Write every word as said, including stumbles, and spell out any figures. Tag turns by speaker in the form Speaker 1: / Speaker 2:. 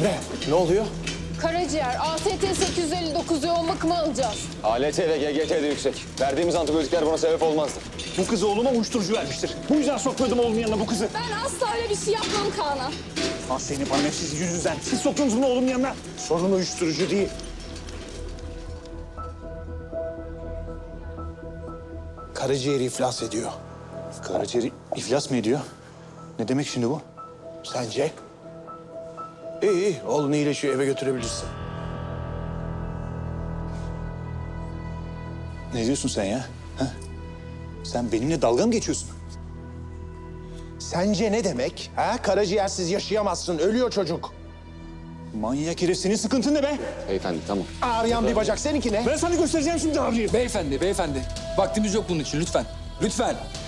Speaker 1: Emre, ne oluyor?
Speaker 2: Karaciğer, A S T sekiz yüz elli dokuz yoğun bakıma alacağız.
Speaker 3: A L T ve G G T de yüksek. Verdiğimiz antibiyotikler buna sebep olmazdı.
Speaker 4: Bu kız oğluma uyuşturucu vermiştir. Bu yüzden sokmadım oğlumun yanına bu kızı.
Speaker 2: Ben asla öyle bir şey yapmam Kaan'a.
Speaker 4: Ah senin parmetsiz yüzünden. Siz soktunuz bunu oğlumun yanına.
Speaker 1: Sorun uyuşturucu değil. Karaciğeri iflas ediyor.
Speaker 4: Karaciğeri iflas mı ediyor? Ne demek şimdi bu?
Speaker 1: Sence? İyi iyi, oğlun iyileşiyor, eve götürebilirsin.
Speaker 4: Ne diyorsun sen ya? Ha? Sen benimle dalga mı geçiyorsun?
Speaker 1: Sence ne demek? Ha? Karaciğersiz yaşayamazsın, ölüyor çocuk.
Speaker 4: Manyak herif, senin sıkıntın ne be?
Speaker 3: Beyefendi tamam.
Speaker 1: Ağrıyan bir bacak, seninki ne?
Speaker 4: Ben sana göstereceğim şimdi ağrıyı.
Speaker 5: Beyefendi, beyefendi. Vaktimiz yok bunun için lütfen. Lütfen.